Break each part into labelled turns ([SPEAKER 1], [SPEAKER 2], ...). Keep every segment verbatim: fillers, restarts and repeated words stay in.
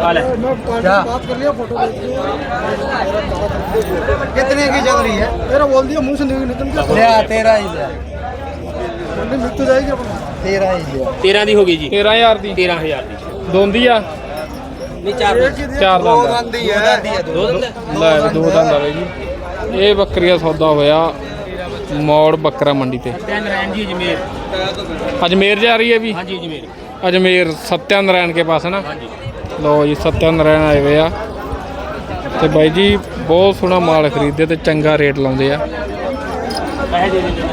[SPEAKER 1] कितने की चल रही है? तेरा बोल दिया मुंह से निकल गया। तेरह ही मंडी मिल तो जाएगी अपना। तेरह ही
[SPEAKER 2] तेरह दी होगी जी।
[SPEAKER 3] तेरह हज़ार दी
[SPEAKER 2] तेरह हजार दी
[SPEAKER 3] ਦੋਂਦੀ ਆ
[SPEAKER 2] नहीं चार
[SPEAKER 3] ਚਾਰ
[SPEAKER 1] दो
[SPEAKER 3] ਦੰਦ
[SPEAKER 1] दंद ही है।
[SPEAKER 2] दो दंद
[SPEAKER 3] ਲੈ ਵੀ ਦੋ ਦੰਦ ਆਵੇ ਜੀ। ਇਹ ਬੱਕਰੀ ਦਾ ਸੌਦਾ ਹੋਇਆ ਮੌੜ ਬੱਕਰਾ ਮੰਡੀ ਤੇ।
[SPEAKER 2] सत्या नारायण जी अजमेर।
[SPEAKER 3] अजमेर जा रही है भी।
[SPEAKER 2] हाँ जी अजमेर।
[SPEAKER 3] अजमेर सत्या नारायण के पास है ना।
[SPEAKER 2] हाँ जी
[SPEAKER 3] लो जी सत्या नारायण आए हुए आ ਤੇ ਬਾਈ ਜੀ ਬਹੁਤ ਸੋਹਣਾ ਮਾਲ ਖਰੀਦਦੇ ਤੇ ਚੰਗਾ ਰੇਟ ਲਾਉਂਦੇ ਆ।
[SPEAKER 2] पैसे दे दीजिए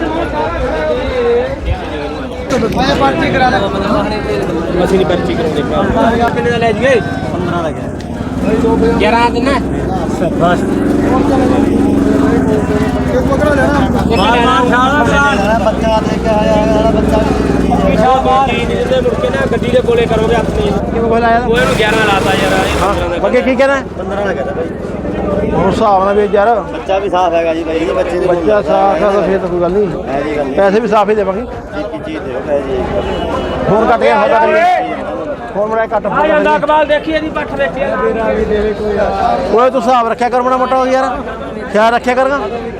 [SPEAKER 1] मैं पर्ची करा ले।
[SPEAKER 2] मशीनी पर्ची करोगे कितने का ले जाइए? पंद्रह लगे ग्यारह दिन ना बस
[SPEAKER 1] एक पकड़ा लेना। बच्चा देके आया बच्चा
[SPEAKER 2] मुड़के ना गड्डी दे कोले करोगे अपनी वो ग्यारह लाता यार
[SPEAKER 1] बाकी की कहना है? पंद्रह लगा था भाई। और हिसाब ना भी यार बच्चा भी साफ हैगा जी भाई। बच्चे बच्चा साफ है तो फिर तो कोई गल नहीं है जी। पैसे भी साफ ही देवांगे जी जी जी। फोन कट गया होगा फोन बड़ा कट
[SPEAKER 2] आ ਜਾਂਦਾ ਅਕਬਾਲ ਦੇਖੀਏ ਦੀ ਪੱਠ ਦੇਖੀਏ
[SPEAKER 1] मेरा भी देवे कोई ओए तू हिसाब रखया कर बड़ा मोटा हो यार। ख्याल रखया करगा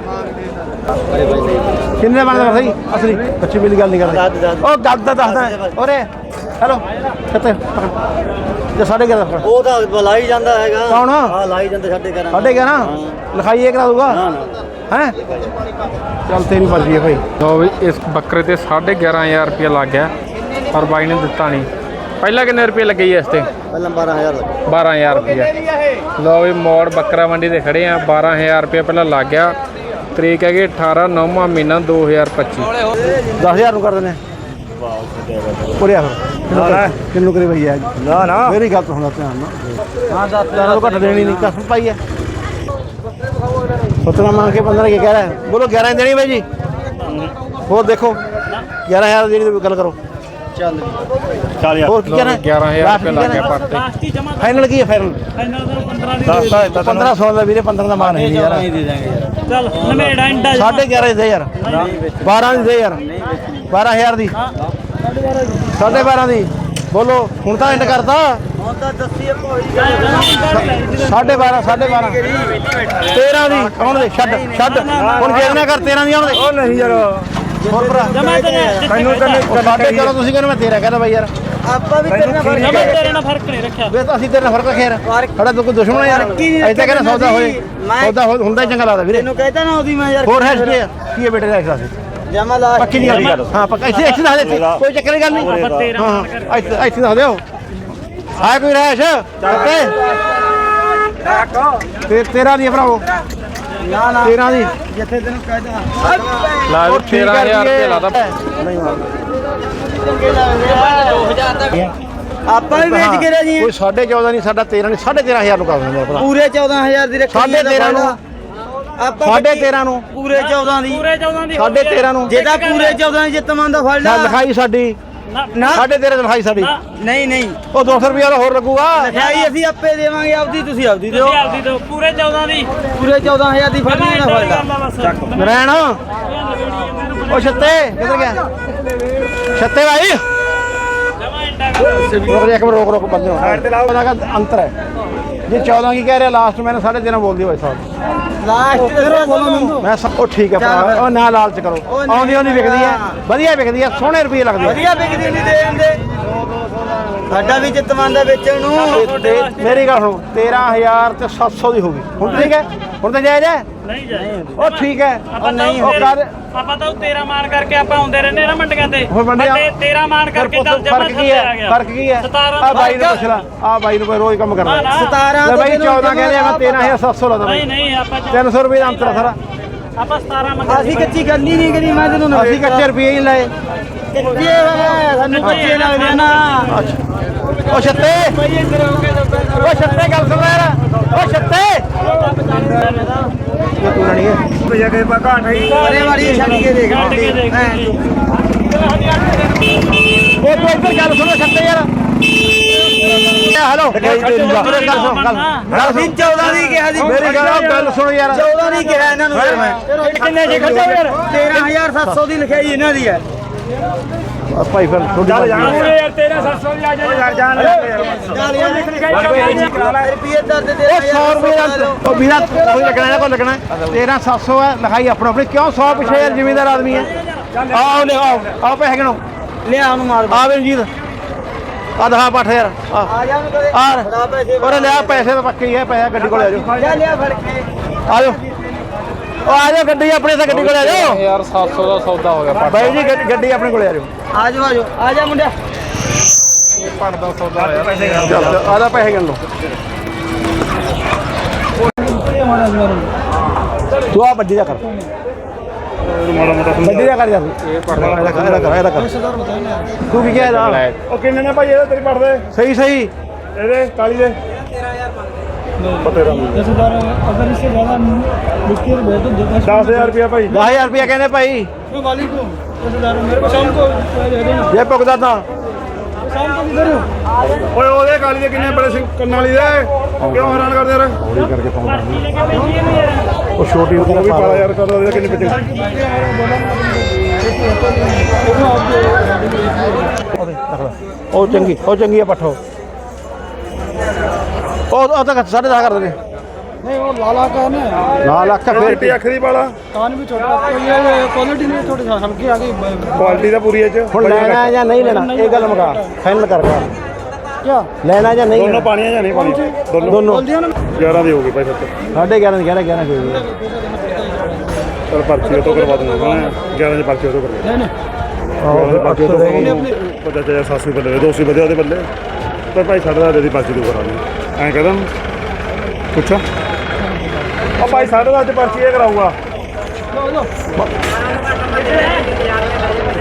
[SPEAKER 1] किन्ने बनदा सही असली बच्चे मिली गल नहीं करदा। ओ गल दा दसदा ओरे हेलो किते जे साढ़े ग्यारह
[SPEAKER 4] ਉਹ ਤਾਂ ਲਾਈ ਜਾਂਦਾ ਹੈਗਾ।
[SPEAKER 1] कौन
[SPEAKER 4] ਹਾਂ ਲਾਈ ਜਾਂਦਾ ਸਾਡੇ ਘਰਾਂ
[SPEAKER 1] साढ़े ग्यारह लिखाई ये करा दूंगा हैं। चल तेरी मर्जी है भाई।
[SPEAKER 3] ਲੋ ਵੀ ਇਸ ਬੱਕਰੇ ਤੇ ਸਾਢੇ ਗਿਆਰਾਂ ਹਜ਼ਾਰ ਰੁਪਇਆ ਲੱਗ ਗਿਆ ਪਰ ਬਾਈ ਨੇ ਦਿੱਤਾ ਨਹੀਂ। ਪਹਿਲਾਂ ਕਿੰਨੇ ਰੁਪਏ ਲੱਗੇ ਜੀ ਇਸ ਤੇ?
[SPEAKER 4] ਪਹਿਲਾਂ ਬਾਰਾਂ ਹਜ਼ਾਰ ਲੱਗਾ।
[SPEAKER 3] ਬਾਰਾਂ ਹਜ਼ਾਰ ਰੁਪਇਆ। ਲੋ ਵੀ ਮੋੜ ਬੱਕਰਾ ਮੰਡੀ ਤੇ ਖੜੇ ਆ। ਬਾਰਾਂ ਹਜ਼ਾਰ ਰੁਪਇਆ ਪਹਿਲਾਂ ਲੱਗ ਗਿਆ। ਤਰੀਕ ਹੈਗੀ ਅਠਾਰਾਂ ਨੌਵਾਂ ਮਹੀਨਾ ਦੋ ਹਜ਼ਾਰ ਪੱਚੀ।
[SPEAKER 1] दस हजार कर देने पूरे किन्नू करी भैया
[SPEAKER 4] ਨਾ ਨਾ
[SPEAKER 1] मेरी गल तो सुना ध्यान ना। हाँ दस हजार तो घट देनी नहीं कसम पाई है। सत्रह मांग के पंद्रह के कह रहा है बोलो ग्यारह देनी भाई जी। और देखो ग्यारह हजार देनी तो गल करो
[SPEAKER 4] ਚੱਲ ਚੱਲ ਯਾਰ
[SPEAKER 1] और की कहना है?
[SPEAKER 3] ਗਿਆਰਾਂ ਹਜ਼ਾਰ ਰੁਪਇਆ ਲੱਗ ਗਿਆ ਪਰ ਤੇ।
[SPEAKER 1] फाइनल की है फाइनल पंद्रह सौ का भी पंद्रह का मान है यार।
[SPEAKER 2] ਚੱਲ ਨਵੇੜਾ ਇੰਡਾ
[SPEAKER 1] साढ़े ग्यारह दे यार बारह दी दे यार बारह हजार दी साढ़े बारह दी बोलो हूँ तो इंड करता
[SPEAKER 4] ਹੁਣ ਤਾਂ ਦੱਸੀਏ ਕੋਈ
[SPEAKER 1] साढ़े बारह साढ़े बारह तेरह दी कौन दे छड़ छड़ हूँ जेदना कर तेरह दी आने नहीं यार ਹੋਰ ਭਰਾ ਤੈਨੂੰ ਕਹਿੰਦੇ ਸਾਡੇ ਚਲੋ ਤੁਸੀਂ ਕਹਿੰਦੇ ਮੈਂ ਤੇਰਾ ਕਹਿੰਦਾ ਬਾਈ ਯਾਰ
[SPEAKER 4] ਆਪਾਂ ਵੀ ਤੇਰੇ ਨਾਲ
[SPEAKER 2] ਜਮਾ ਤੇਰੇ ਨਾਲ ਫਰਕ ਨਹੀਂ ਰੱਖਿਆ
[SPEAKER 1] ਵੇ ਤਾਂ ਅਸੀਂ ਤੇਰੇ ਨਾਲ ਫਰਕ ਰੱਖਿਆ ਯਾਰ ਸਾਡਾ ਤਾਂ ਕੋਈ ਦੁਸ਼ਮਣ ਯਾਰ ਐਦਾਂ ਕਹਿੰਦਾ ਸੌਦਾ ਹੋਏ ਸੌਦਾ ਹੁੰਦਾ ਹੀ ਚੰਗਾ ਲੱਗਦਾ ਵੀਰੇ
[SPEAKER 4] ਤੈਨੂੰ ਕਹਿਤਾ ਨਾ ਉਹਦੀ ਮੈਂ ਯਾਰ
[SPEAKER 1] ਹੋਰ ਹੈ ਕੀ ਹੈ ਕੀ ਹੈ ਬੇਟੇ ਦਾ ਐਕਸਾਸ
[SPEAKER 4] ਜਮਾ ਲਾ
[SPEAKER 1] ਪੱਕੀ ਨਹੀਂ ਗੱਲ ਹਾਂ ਪੱਕਾ ਇੱਥੇ ਇੱਥੇ ਦੱਸ ਦੇ ਕੋਈ ਚੱਕਰ ਦੀ ਗੱਲ ਨਹੀਂ ਹਾਂ ਇੱਥੇ ਇੱਥੇ ਦੱਸ ਦਿਓ ਆਇਆ ਕੋਈ ਰਹਿਸ਼ ਤੇ ਤੇਰਾ ਦੀ ਭਰਾਓ
[SPEAKER 4] ਨਾ ਨਾ
[SPEAKER 1] ਤੇਰਾ ਦੀ
[SPEAKER 4] ਜਿੱਥੇ ਤੈਨੂੰ ਕਹਿਤਾ
[SPEAKER 3] ਲਾ ਵੀ ਤੇਰਾਂ ਹਜ਼ਾਰ ਰੁਪਇਆ ਲਾਦਾ।
[SPEAKER 1] ਨਹੀਂ ਮਾਰ
[SPEAKER 4] ਆਪਾਂ ਵੀ ਵੇਚ ਕੇ ਰਾਜੀ
[SPEAKER 1] ਕੋਈ ਸਾਢੇ ਚੌਦਾਂ ਨਹੀਂ ਸਾਡਾ ਤੇਰਾਂ ਨਹੀਂ ਸਾਢੇ ਤੇਰਾਂ ਹਜ਼ਾਰ ਨੂੰ ਕਰ ਦਿੰਦੇ ਭਰਾ
[SPEAKER 4] ਪੂਰੇ ਚੌਦਾਂ ਹਜ਼ਾਰ ਦੀ ਰੱਖੀ
[SPEAKER 1] ਸਾਢੇ ਤੇਰਾਂ ਨੂੰ
[SPEAKER 4] ਆਪਾਂ
[SPEAKER 1] ਸਾਢੇ ਤੇਰਾਂ ਨੂੰ
[SPEAKER 4] ਪੂਰੇ ਚੌਦਾਂ ਦੀ
[SPEAKER 2] ਪੂਰੇ ਚੌਦਾਂ ਦੀ
[SPEAKER 1] ਸਾਢੇ ਤੇਰਾਂ ਨੂੰ
[SPEAKER 4] ਜੇ ਤਾਂ ਪੂਰੇ ਚੌਦਾਂ ਦੀ ਜਿੱਤਮਾਨ ਦਾ ਫੜ ਲਾ
[SPEAKER 1] ਲਿਖਾਈ ਸਾਡੀ
[SPEAKER 4] ਨਾ
[SPEAKER 1] ਸਾਢੇ ਤੇਰਾਂ ਦੀ ਲਿਖਾਈ ਸਾਡੀ
[SPEAKER 4] ਨਹੀਂ ਨਹੀਂ
[SPEAKER 1] ਉਹ ਦੋ ਸੌ ਰੁਪਇਆ ਦਾ ਹੋਰ ਲੱਗੂਗਾ
[SPEAKER 4] ਲਿਖਾਈ ਅਸੀਂ ਆਪੇ ਦੇਵਾਂਗੇ ਆਪਦੀ ਤੁਸੀਂ ਆਪਦੀ ਦਿਓ
[SPEAKER 2] ਤੁਸੀਂ ਆਪਦੀ ਦਿਓ ਪੂਰੇ ਚੌਦਾਂ ਦੀ
[SPEAKER 4] ਪੂਰੇ ਚੌਦਾਂ ਹਜ਼ਾਰ ਦੀ ਫੜਨੀ ਨਾ ਫੜ ਲਾ
[SPEAKER 1] ਨਰੈਣ ਉਹ ਛੱਤੇ ਕਿੱਧਰ ਗਿਆ ਛੱਤੇ ਭਾਈ
[SPEAKER 2] ਜਮਾ ਇੰਡਾ
[SPEAKER 1] ਰੋਕ ਦੇ ਇੱਕ ਮਿੰਟ ਰੋਕ ਰੋਕ ਬੰਦੇ ਹੋ ਉਹਦਾ ਦਾ ਅੰਤਰ ਹੈ ਜੇ ਚੌਦਾਂ ਕੀ ਕਹਿ ਰਿਹਾ ਲਾਸਟ ਮੈंने ਸਾਢੇ ਤੇਰਾਂ ਬੋਲਦੀ ਭਾਈ ਸਾਹਿਬ
[SPEAKER 4] ਲਾਸਟ ਤੇ ਬੋਲੋ ਮੈਨੂੰ
[SPEAKER 1] ਮੈਂ ਸਭ ਉਹ ਠੀਕ ਹੈ ਭਰਾ ਉਹ ਨਾ ਲਾਲਚ ਕਰੋ ਆਉਂਦੀ ਆਉਂਦੀ ਵਿਕਦੀ ਹੈ ਵਧੀਆ ਵਿਕਦੀ ਹੈ ਸੋਹਣੇ ਰੁਪਏ ਲੱਗਦੇ ਆ
[SPEAKER 4] ਵਧੀਆ ਵਿਕਦੀ ਨਹੀਂ ਦੇ ਦਿੰਦੇ ਸਾਡਾ ਵੀ ਜਿੱਤਮਾਨ ਦਾ ਵੇਚਣ ਨੂੰ
[SPEAKER 1] ਤੇ ਮੇਰੀ ਗੱਲ ਸੁਣੋ ਤੇਰਾਂ ਹਜ਼ਾਰ ਤੇ ਸੱਤ ਸੌ ਦੀ ਹੋ ਗਈ ਹੁਣ ਠੀਕ ਹੈ ਹੁਣ ਤਾਂ ਜਾਇਜ਼ ਹੈ
[SPEAKER 2] ਨਹੀਂ ਜਾਏ
[SPEAKER 1] ਉਹ ਠੀਕ ਹੈ
[SPEAKER 2] ਆਪਾਂ
[SPEAKER 1] ਨਹੀਂ
[SPEAKER 2] ਤਾਂ
[SPEAKER 1] ਉਹ ਕਰ
[SPEAKER 2] ਆਪਾਂ ਤਾਂ ਤੇਰਾ ਮਾਨ ਕਰਕੇ ਆਪਾਂ ਆਉਂਦੇ ਰਹਿੰਦੇ ਨਾ ਮੰਡੀਆਂ ਤੇ
[SPEAKER 1] ਹੁਣ ਮੰਡੀਆਂ
[SPEAKER 2] ਤੇਰਾ ਮਾਨ ਕਰਕੇ ਚੱਲ ਜਮਾ
[SPEAKER 1] ਫਰਕ ਕੀ ਹੈ ਫਰਕ ਕੀ ਹੈ ਆ ਬਾਈ ਨੂੰ ਪੁੱਛ ਲਾ ਆ ਬਾਈ ਨੂੰ ਕੋਈ ਰੋਜ਼ ਕੰਮ ਕਰਦਾ
[SPEAKER 4] ਸਤਾਰਾਂ
[SPEAKER 1] ਲੈ ਬਾਈ ਚੌਦਾਂ ਕਹਿੰਦੇ ਆ ਮੈਂ ਤੇਰਾਂ ਹਜ਼ਾਰ ਸੱਤ ਸੌ ਲਾਦਾ
[SPEAKER 2] ਨਹੀਂ ਨਹੀਂ ਆਪਾਂ
[SPEAKER 1] ਤਿੰਨ ਸੌ ਰੁਪਏ ਦਾ ਅੰਤਰ ਆ ਸਾਰਾ
[SPEAKER 2] ਆਪਾਂ ਸਤਾਰਾਂ ਮੰਗਦੇ
[SPEAKER 4] ਅਸੀਂ ਕੱਚੀ ਗੱਲ ਹੀ ਨਹੀਂ ਕਰੀ ਮੈਂ ਤੈਨੂੰ
[SPEAKER 1] ਅਸੀਂ ਕੱਚੇ ਰੁਪਏ ਹੀ ਲਾਏ
[SPEAKER 4] ਕੱਚੇ ਸਾਨੂੰ ਕੱਚੇ ਲੱਗਦੇ ਨਾ
[SPEAKER 1] ਉਹ ਛੱਤੇ ਉਹ ਛੱਤੇ ਗੱਲ ਸੁਣ ਯਾਰ ਉਹ ਛੱਤੇ ਇਹ ਤੂੰ ਨਹੀਂ ਹੈ
[SPEAKER 4] ਜਗੇ ਪਾ ਘਾਟ ਹੀ ਅਰੇ ਵਾਰੀ ਛੱਡ ਕੇ ਦੇਖ
[SPEAKER 2] ਛੱਡ ਕੇ ਦੇਖ।
[SPEAKER 1] ਉਹ ਤੂੰ ਇੱਧਰ ਗੱਲ ਸੁਣੋ ਛੱਤੇ ਯਾਰ ਹੈਲੋ ਗੱਲ ਸੁਣ ਗੱਲ
[SPEAKER 4] ਅਸੀਂ ਚੌਦਾਂ ਦੀ ਕਿਹਾ ਸੀ
[SPEAKER 1] ਮੇਰੀ ਗੱਲ ਗੱਲ ਸੁਣ ਯਾਰ
[SPEAKER 4] ਚੌਦਾਂ ਦੀ ਕਿਹਾ ਇਹਨਾਂ ਨੂੰ ਫਿਰ ਮੈਂ
[SPEAKER 2] ਕਿੰਨੇ ਜੀ ਖਰਚਾ ਯਾਰ
[SPEAKER 4] ਤੇਰਾਂ ਹਜ਼ਾਰ ਸੱਤ ਸੌ ਦੀ ਲਿਖਾਈ ਇਹਨਾਂ ਦੀ ਹੈ
[SPEAKER 1] ਆ ਭਾਈ ਫਿਰ ਤੁਹਾਡੀ ਮਰਜ਼ੀ ਹੈ।
[SPEAKER 2] ਯਾਰ ਤੇਰਾ ਸੱਤ ਸੌ ਦੀ ਆ ਜਾ ਯਾਰ ਜਾਨ
[SPEAKER 4] ਰੁਪਏ ਦਰਦ ਦੇ
[SPEAKER 1] ਉਹ ਸੌ ਰੁਪਏ ਦਾ ਉਹ ਵੀਰਾ ਕੋਈ ਲੱਗਣਾ ਨਾ ਕੋਈ ਲੱਗਣਾ ਤੇਰਾ ਸੱਤ ਸੌ ਹੈ ਲਿਖਾਈ ਆਪਣਾ ਆਪਣੀ ਕਿਉਂ ਸੌ ਪਿੱਛੇ ਯਾਰ ਜ਼ਿਮੀਂਦਾਰ ਆਦਮੀ ਹੈ ਆਓ ਲੈ ਆਓ ਆਓ ਪੈਸੇ ਗਿਣੋ
[SPEAKER 4] ਲਿਆ ਉਹਨੂੰ ਮਾਰ
[SPEAKER 1] ਆ ਬੇਨਜੀਤ ਆ ਦਹਾ ਪੱਠ ਯਾਰ ਆ
[SPEAKER 4] ਆ ਜਾ ਉਹਨੂੰ ਕਦੇ
[SPEAKER 1] ਆ
[SPEAKER 4] ਫੜਾ ਪੈਸੇ
[SPEAKER 1] ਉਹਨੇ ਲਿਆ ਪੈਸੇ ਤਾਂ ਪੱਕੇ ਹੀ ਹੈ ਪੈਸਾ ਗੱਡੀ ਕੋਲ ਆ ਜਾਓ
[SPEAKER 4] ਜਾ ਲਿਆ ਫੜ ਕੇ
[SPEAKER 1] ਆ ਜਾਓ ਉਹ ਆ ਜਾਓ ਗੱਡੀ ਆਪਣੇ ਤੇ ਗੱਡੀ ਕੋਲ ਆ ਜਾਓ
[SPEAKER 3] ਯਾਰ ਸੱਤ ਸੌ ਦਾ ਸੌਦਾ ਹੋ ਗਿਆ ਪੱਟ
[SPEAKER 1] ਬਾਈ ਜੀ ਗੱਡੀ- ਗੱਡੀ ਆਪਣੇ ਕੋਲ ਆ ਜਾਓ
[SPEAKER 4] ਆ ਜਾ ਆ ਜਾ ਆ ਜਾ ਮੁੰਡਿਆ
[SPEAKER 3] ਪੱਟ ਦਾ ਸੌਦਾ ਹੋਇਆ
[SPEAKER 1] ਚੱਲ ਆਦਾ ਪੈਸੇ ਗਿਣ ਲਓ ਤੂੰ ਆ ਵੱਡੀ ਦਾ ਕਰ ਵੱਡੀ ਦਾ ਕਰ ਯਾਰ
[SPEAKER 3] ਇਹ ਪੱਟ ਦਾ
[SPEAKER 1] ਇਹਦਾ ਕਰ ਇਹਦਾ ਕਰ ਇਹਦਾ ਕਰ ਤੂੰ ਕੀ ਕਿਹਾ ਇਹਦਾ
[SPEAKER 5] ਉਹ ਕਿੰਨੇ ਨੇ ਭਾਈ ਇਹਦਾ ਤੇਰੀ ਪੜਦੇ
[SPEAKER 1] ਸਹੀ ਸਹੀ
[SPEAKER 5] ਇਹਦੇ ਕਾਲੀ ਦੇ
[SPEAKER 6] दस हजार अगर इससे ज़्यादा मुश्किल है तो दस
[SPEAKER 5] दस हजार रुपया भाई
[SPEAKER 1] दस हजार रुपया कहने भाई
[SPEAKER 6] मैं मालिक हूँ दस हजार मेरे को शाम को दे देना
[SPEAKER 1] ये पुगदा था
[SPEAKER 6] शाम को किधर हूँ
[SPEAKER 5] ਓਏ ਉਹਦੇ ਕਾਲੀ ਦੇ ਕਿੰਨੇ ਬੜੇ ਸਿੰਘ ਕੰਨਾਂ ਵਾਲੀ ਦੇ ਕਿਉਂ ਹੈਰਾਨ ਕਰਦੇ ਯਾਰ
[SPEAKER 1] थोड़ी करके पाऊंगा वो छोटी
[SPEAKER 5] ਉਹ ਵੀ ਪਾਲਾ ਯਾਰ ਕਰਦਾ ਉਹਦੇ ਕਿੰਨੇ ਬੱਚੇ
[SPEAKER 1] ਉਹ ਚੰਗੀ ਉਹ ਚੰਗੀ ਆ ਪੱਠੋ ਉਹ ਉਹ ਤਾਂ ਸਾਢੇ ਦਸ ਕਰ ਦੇ
[SPEAKER 6] नहीं वो लाला का है ना
[SPEAKER 1] ਨਾਲ ਲੱਖ
[SPEAKER 5] ਫਿਰ
[SPEAKER 1] ਫੇਰ
[SPEAKER 5] ਟੀ ਅੱਖ ਦੀ ਪਾਲਾ
[SPEAKER 6] कान भी छोटा तो ये क्वालिटी नहीं थोड़ी सा हल्की आ गई
[SPEAKER 5] ਕੁਆਲਿਟੀ ਦਾ ਪੂਰੀ ਇਹ ਚ
[SPEAKER 1] ਹੁਣ ਲੈਣਾ ਜਾਂ ਨਹੀਂ ਲੈਣਾ ਇਹ ਗੱਲ ਮੁਕਾ ਫਾਈਨਲ ਕਰ ਕਰ
[SPEAKER 6] क्या
[SPEAKER 1] ਲੈਣਾ ਜਾਂ ਨਹੀਂ
[SPEAKER 5] ਦੋਨੋਂ
[SPEAKER 1] ਲੈਣਾ?
[SPEAKER 5] ਪਾਣੀਆਂ ਜਾਂ ਨਹੀਂ ਪਾਣੀਆਂ ਦੋਨੋਂ
[SPEAKER 1] ਦੋਨੋਂ
[SPEAKER 6] बोल दिया ना
[SPEAKER 5] ਗਿਆਰਾਂ ਦੇ ਹੋ ਗਏ ਭਾਈ ਸੱਤ
[SPEAKER 1] ਸਾਢੇ ਗਿਆਰਾਂ ਦੀ ਗਿਆਰਾਂ ਗਿਆਰਾਂ ਕੋਈ ਨਹੀਂ
[SPEAKER 5] ਚਲ ਪਰਚੀ ਉਹ ਤੋਂ ਕਰਵਾ ਦੂੰਗਾ ਮੈਂ ਗਿਆਰਾਂ ਦੀ ਪਰਚੀ ਉਹ ਤੋਂ ਕਰਵਾ
[SPEAKER 6] नहीं
[SPEAKER 5] ਗਿਆਰਾਂ ਦੀ ਪਰਚੀ ਉਹ ਤੋਂ
[SPEAKER 1] ਨਹੀਂ
[SPEAKER 5] ਕਰਵਾ ਪਤਾ ਚਾਹਿਆ ਸੱਤ ਸੌ ਬੱਲੇ ਦੋ ਸੌ ਬੱਲੇ ਉਹਦੇ ਬੱਲੇ ਪਰ ਭਾਈ ਸਾਢੇ ਦਸ ਦੀ ਪਰਚੀ ਤੂੰ ਕਰਾ ਦੇ ਐਂ ਕਹਦਾ ਪੁੱਛਾ ਉਹ ਭਾਈ ਸਾਢੇ ਦਸ ਦੀ ਪਰਚੀ ਇਹ ਕਰਾਊਗਾ